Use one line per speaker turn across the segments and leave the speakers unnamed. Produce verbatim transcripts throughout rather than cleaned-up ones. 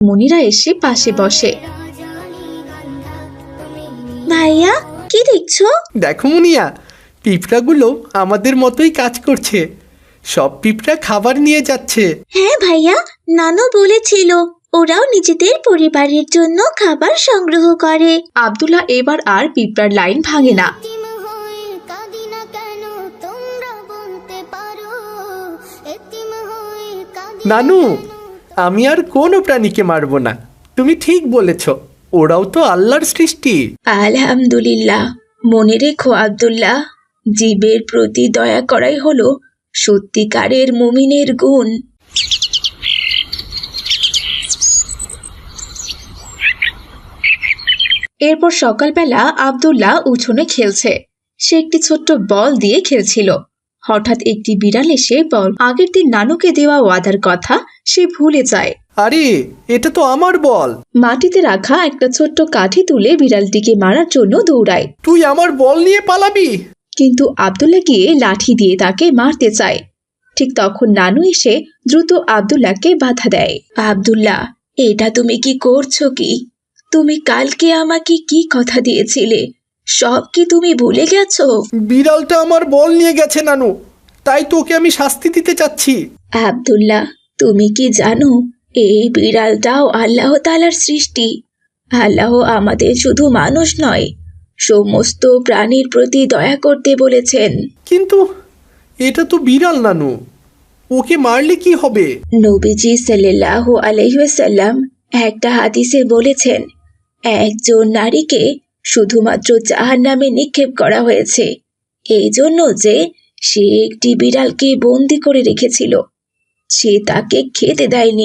মনিরা এসে পাশে বসে। ভাইয়া কি দেখছো?
দেখো মুনিয়া, পিঁপড়াগুলো আমাদের মতোই কাজ করছে। সব পিঁপড়া খাবার নিয়ে যাচ্ছে।
হ্যাঁ ভাইয়া, নানু বলেছিল ওরাও নিজেদের পরিবারের জন্য খাবার সংগ্রহ করে। আব্দুল্লাহ এবার আর পিঁপড়ার লাইন ভাঙে না।
নানু, আমি আর কোনো প্রাণীকে মারবো না। তুমি ঠিক বলেছ, ওরাও তো আল্লাহর সৃষ্টি।
আলহামদুলিল্লাহ। মনে রেখো আব্দুল্লাহ, জীবের প্রতি দয়া করাই হলো সত্যিকারের মুমিনের গুণ। এরপর সকালবেলা আব্দুল্লাহ উঠোনে খেলছে। সে একটি ছোট্ট বল দিয়ে খেলছিল। হঠাৎ একটি বিড়াল এসে বল আগের দিন নানুকে দেওয়া ওয়াদার কথা সে ভুলে যায়।
আরে, এটা তো আমার বল।
মাটিতে রাখা একটা ছোট্ট কাঠি তুলে বিড়ালটিকে মারার জন্য দৌড়ায়।
তুই আমার বল নিয়ে পালাবি?
কিন্তু আব্দুল্লাহ গিয়ে লাঠি দিয়ে তাকে মারতে চায়। ঠিক তখন নানু এসে দ্রুত আব্দুল্লাহকে বাধা দেয়। আব্দুল্লাহ, এটা তুমি কি করছো? কি তুমি কালকে আমাকে কি কথা দিয়েছিলে, সব কি তুমি ভুলে গেছো?
বিড়ালটা আমার বল নিয়ে গেছে নানু, তাই তোকে আমি শাস্তি দিতে চাচ্ছি।
আব্দুল্লাহ, তুমি কি জানো এই বিড়ালটাও আল্লাহ তাআলার সৃষ্টি? আল্লাহ আমাদের শুধু মানুষ নয়, সমস্ত প্রাণীর প্রতি দয়া করতে বলেছেন।
কিন্তু এটা তো বিড়াল নানু, ওকে মারলে কি হবে?
নবীজি সাল্লাল্লাহু আলাইহি ওয়াসাল্লাম একটা হাদিসে বলেছেন, একজন নারীকে শুধুমাত্র জাহান্নামে নিক্ষেপ করা হয়েছে এই জন্য যে সে একটি বিড়ালকে বন্দি করে রেখেছিল। সে তাকে খেতে দেয়নি,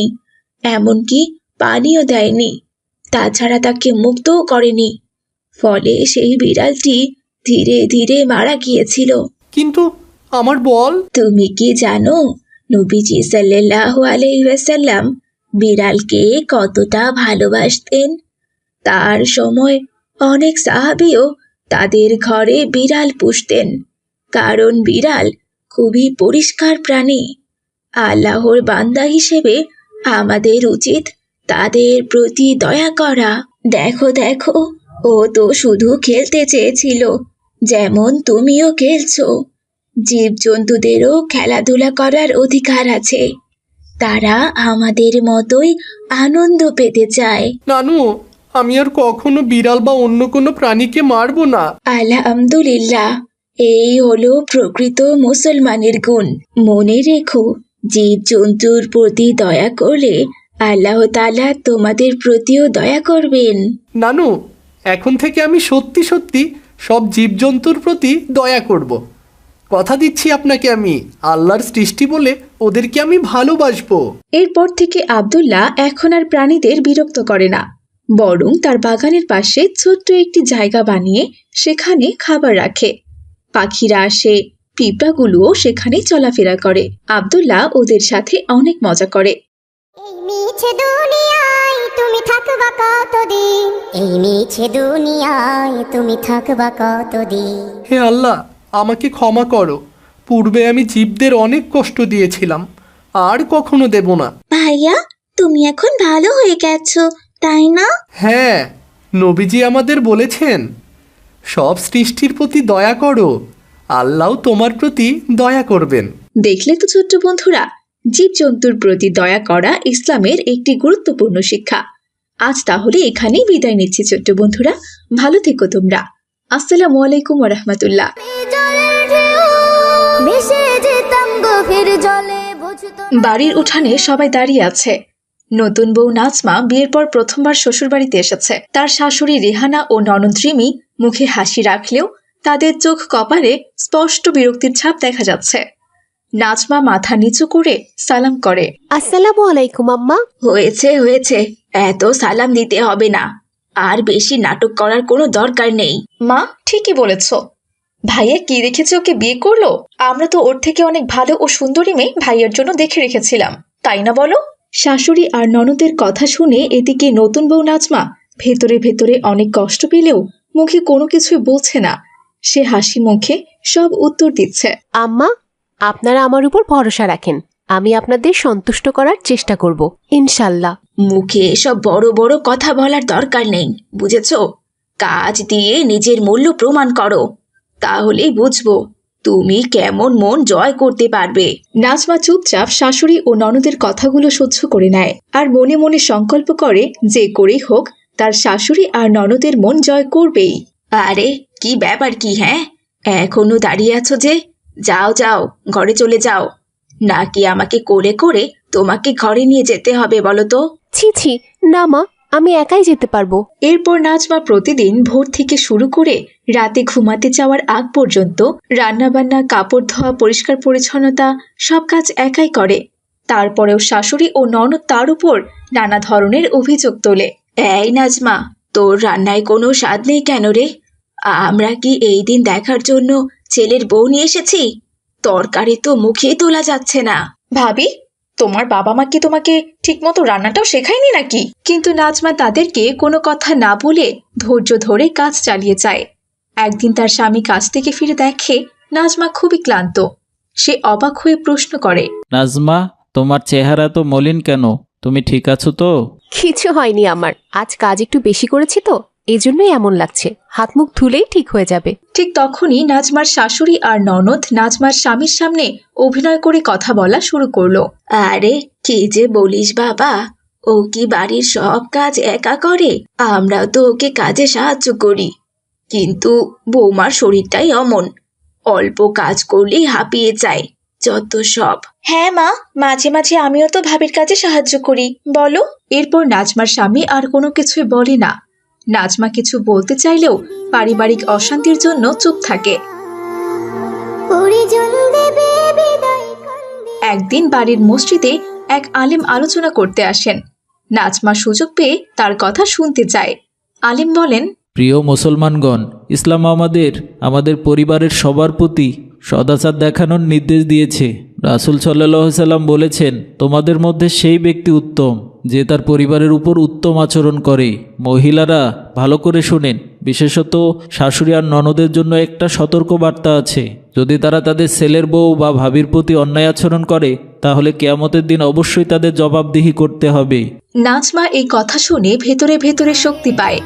এমনকি পানিও দেয়নি, তাছাড়া তাকে মুক্তও করেনি। ফলে সেই বিড়ালটি ধীরে ধীরে মারা গিয়েছিল।
কিন্তু আমার বল?
তুমি কি জানো নবীজি সাল্লাল্লাহু আলাইহি ওয়াসাল্লাম বিড়ালকে কতটা ভালোবাসতেন? তার সময় অনেক সাহাবীও তাদের ঘরে বিড়াল পুষতেন, কারণ বিড়াল খুবই পরিষ্কার প্রাণী। আল্লাহর বান্দা হিসেবে আমাদের উচিত তাদের প্রতি দয়া করা। দেখো দেখো, ও তো শুধু খেলতে চেয়েছিল, যেমন তুমিও খেলছো। জীবজন্তুদেরও খেলাধুলা করার অধিকার আছে, তারা আমাদের মতোই আনন্দ পেতে চায়।
নানু, আমি আর কখনো বিড়াল বা অন্য কোনো প্রাণীকে মারবো না।
আলহামদুলিল্লাহ, এই হলো প্রকৃত মুসলমানের গুণ। মনে রেখো, জীবজন্তুর প্রতি দয়া করলে আল্লাহ তাআলা তোমাদের প্রতিও দয়া করবেন।
নানু, এখন থেকে আমি সত্যি সত্যি সব জীবজন্তুর প্রতি দয়া করব। কথা দিচ্ছি আপনাকে, আমি আল্লাহর সৃষ্টি বলে ওদেরকে আমি ভালোবাসবো।
এরপর থেকে আব্দুল্লাহ এখন আর প্রাণীদের বিরক্ত করে না, বরং তার বাগানের পাশে ছোট্ট একটি জায়গা বানিয়ে সেখানে খাবার রাখে। পাখিরা আসে, পিঁপড়াগুলোও সেখানে চলাফেরা করে। আব্দুল্লাহ ওদের সাথে অনেক মজা করে।
এই মিছে দুনিয়ায় তুমি থাকবা কতদিন, এই মিছে দুনিয়ায় তুমি থাকবা কতদিন।
হে আল্লাহ, আমাকে ক্ষমা করো। পূর্বে আমি জীবদের অনেক কষ্ট দিয়েছিলাম, আর কখনো দেব না।
ভাইয়া, তুমি এখন ভালো হয়ে গেছো, তাই না?
হ্যাঁ, নবীজি আমাদের বলেছেন সব সৃষ্টির প্রতি দয়া করো, আল্লাহ তোমার প্রতি দয়া করবেন।
দেখলে তো ছোট্ট বন্ধুরা, জীবজন্তুর প্রতি দয়া করা ইসলামের একটি গুরুত্বপূর্ণ শিক্ষা। আজ তাহলে এখানেই বিদায় নিচ্ছি ছোট্ট বন্ধুরা, ভালো থেকো তোমরা। আসসালামু আলাইকুম ওয়া রাহমাতুল্লাহ। বাড়ির উঠানে সবাই দাঁড়িয়ে আছে। নতুন বউ নাজমা বিয়ের পর প্রথমবার শ্বশুরবাড়িতে এসেছে। তার শাশুড়ি রেহানা ও ননদ রিমি মুখে হাসি রাখলেও তাদের চোখ কপালে স্পষ্ট বিরক্তির ছাপ দেখা যাচ্ছে। নাজমা মাথা নিচু করে সালাম করে।
আসসালামু আলাইকুম আম্মা।
হয়েছে হয়েছে, এত সালাম দিতে হবে না, আর বেশি নাটক করার কোনো দরকার নেই। মা ঠিকই বলেছ, ভাইয়া কি রেখেছে ওকে বিয়ে করলো? আমরা তো ওর থেকে অনেক ভালো ও সুন্দরী মেয়ে ভাইয়ের জন্য দেখে রেখেছিলাম, তাই না বলো? শাশুড়ি আর ননদের কথা শুনে এদিকে নতুন বউ নাজমা ভেতরে ভেতরে অনেক কষ্ট পেলেও মুখে কোনো কিছুই বলছে না। সে হাসি মুখে সব উত্তর দিচ্ছে।
আম্মা, আপনারা আমার উপর ভরসা রাখেন, আমি আপনাদের সন্তুষ্ট করার চেষ্টা করব ইনশাল্লাহ।
মুখে এসব বড় বড় কথা বলার দরকার নেই, বুঝেছো? কাজ দিয়ে নিজের মূল্য প্রমাণ করো, তাহলেই বুঝবো তুমি কেমন মন জয় করতে পারবে। নাজমা চুপচাপ শাশুড়ি ও ননদের কথাগুলো সহ্য করে নেয় আর মনে মনে সংকল্প করে যে করেই হোক তার শাশুড়ি আর ননদের মন জয় করবেই। আরে কি ব্যাপার কি, হ্যাঁ এখনো দাঁড়িয়ে আছো যে? যাও যাও, ঘরে চলে যাও। নাকি আমাকে কোলে করে তোমাকে ঘরে নিয়ে যেতে হবে বলো তো?
ছি ছি, না মা, আমি একাই যেতে পারবো।
এরপর নাজমা প্রতিদিন ভোর থেকে শুরু করে রাতে ঘুমাতে যাওয়ার আগ পর্যন্ত রান্নাবান্না, কাপড় ধোয়া, পরিষ্কার পরিচ্ছন্নতা সব কাজ একাই করে। তারপরেও শাশুড়ি ও ননদ তার উপর নানা ধরনের অভিযোগ তোলে। এই নাজমা, তোর রান্নায় কোনো স্বাদ নেই কেন রে? আমরা কি এই দিন দেখার জন্য ছেলের বউ নিয়ে এসেছি? তরকারি তো মুখে তোলা যাচ্ছে না। ভাবি, তোমার বাবা মা কি তোমাকে ঠিকমতো রান্নাটাও শেখায়নি নাকি? কিন্তু নাজমা তাদেরকে কোনো কথা না বলে ধৈর্য ধরে কাজ চালিয়ে যায়। একদিন তার স্বামী কাজ থেকে ফিরে দেখে নাজমা খুবই ক্লান্ত। সে অবাক হয়ে প্রশ্ন করে,
নাজমা, তোমার চেহারা তো মলিন কেন? তুমি ঠিক আছো তো?
কিছু হয়নি আমার, আজ কাজ একটু বেশি করেছি তো, এই জন্যই এমন লাগছে। হাত মুখ ধুলেই ঠিক হয়ে যাবে।
ঠিক তখনই নাজমার শাশুড়ি আর ননদ নাজমার স্বামীর সামনে অভিনয় করে কথা বলা শুরু করলো। আরে কি যে বলিস বাবা, ও কি বাড়ির সব কাজ একা করে? আমরাও তো ওকে কাজে সাহায্য করি, কিন্তু বৌমার শরীরটাই অমন, অল্প কাজ করলেই হাঁপিয়ে যায়, যত সব। হ্যাঁ মা, মাঝে মাঝে আমিও তো ভাবির কাজে সাহায্য করি, বলো। এরপর নাজমার স্বামী আর কোনো কিছুই বলে না। নাজমা কিছু বলতে চাইলেও পারিবারিক অশান্তির জন্য চুপ থাকে। একদিন বাড়ির মসজিদে এক আলেম আলোচনা করতে আসেন। নাজমা সুযোগ পেয়ে তার কথা শুনতে চায়। আলেম বলেন,
প্রিয় মুসলমানগণ, ইসলাম আমাদের আমাদের পরিবারের সবার প্রতি সদাচার দেখানোর নির্দেশ দিয়েছে। রাসূল সাল্লাল্লাহু আলাইহি সাল্লাম বলেছেন, তোমাদের মধ্যে সেই ব্যক্তি উত্তম যে তার পরিবারের উপর উত্তম আচরণ করে। মহিলারা ভালো করে শোনেন, বিশেষত শাশুড়ি আর ননদের জন্য একটা সতর্ক বার্তা আছে। যদি তারা তাদের ছেলের বউ বা ভাবির প্রতি অন্যায় আচরণ করে, তাহলে কিয়ামতের দিন অবশ্যই তাদের জবাবদিহি করতে হবে।
নাজমা এই কথা শুনে ভেতরে ভেতরে শক্তি পায়।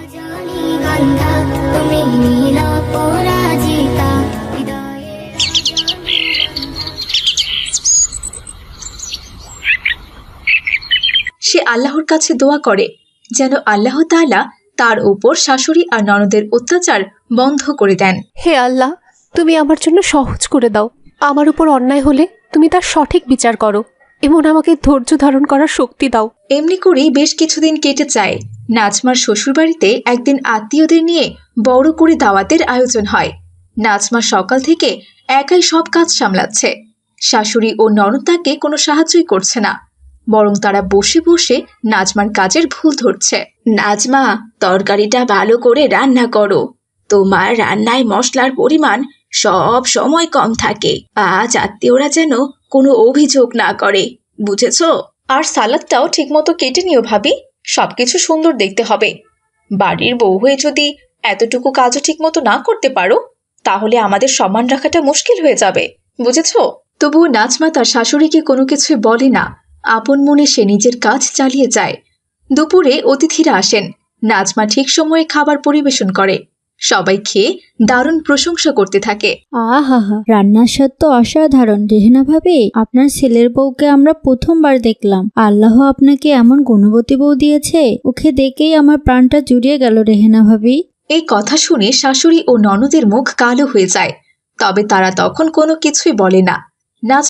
সে আল্লাহর কাছে দোয়া করে যেন আল্লাহ তাআলা তার উপর শাশুড়ি আর ননদের অত্যাচার বন্ধ করে দেন।
হে আল্লাহ, তুমি আমার জন্য সহজ করে দাও। আমার উপর অন্যায় হলে তুমি তার সঠিক বিচার করো এবং আমাকে ধৈর্য ধারণ করার শক্তি দাও।
এমনি করেই বেশ কিছুদিন কেটে যায়। নাজমার শ্বশুরবাড়িতে একদিন আত্মীয়দের নিয়ে বড় করে দাওয়াতের আয়োজন হয়। নাজমা সকাল থেকে একাই সব কাজ সামলাচ্ছে। শাশুড়ি ও ননদ তাকে কোনো সাহায্যই করছে না, বরং তারা বসে বসে নাজমার কাজের ভুল ধরছে। নাজমা, তরকারিটা ভালো করে রান্না করো, তোমার রান্নায় মশলার পরিমাণ সব সময় কম থাকে। আজ আত্মীয়রা যেন কোনো অভিযোগ না করে, বুঝেছো? আর সালাদটাও ঠিকমতো কেটে নিও ভাবি, সবকিছু সুন্দর দেখতে হবে। বাড়ির বউ হয়ে যদি এতটুকু কাজও ঠিকমতো না করতে পারো, তাহলে আমাদের সম্মান রাখাটা মুশকিল হয়ে যাবে, বুঝেছো? তবুও নাজমা তার শাশুড়িকে কোনো কিছুই বলে না। আপন মনে সে নিজের কাজ চালিয়ে যায়। দুপুরে অতিথিরা আসেন। নাজমা ঠিক সময়ে খাবার পরিবেশন করে। সবাই খেয়ে দারুণ প্রশংসা করতে থাকে।
আহা হা, রান্নার স্বাদ তো অসাধারণ রেহেনা ভাবি। আপনার ছেলের বউকে আমরা প্রথমবার দেখলাম। আল্লাহ আপনাকে এমন গুণবতী বউ দিয়েছে, ওকে দেখেই আমার প্রাণটা জুড়িয়ে গেল রেহেনা ভাবি।
এই কথা শুনে শাশুড়ি ও ননদের মুখ কালো হয়ে যায়, তবে তারা তখন কোনো কিছুই বলে না। নাজ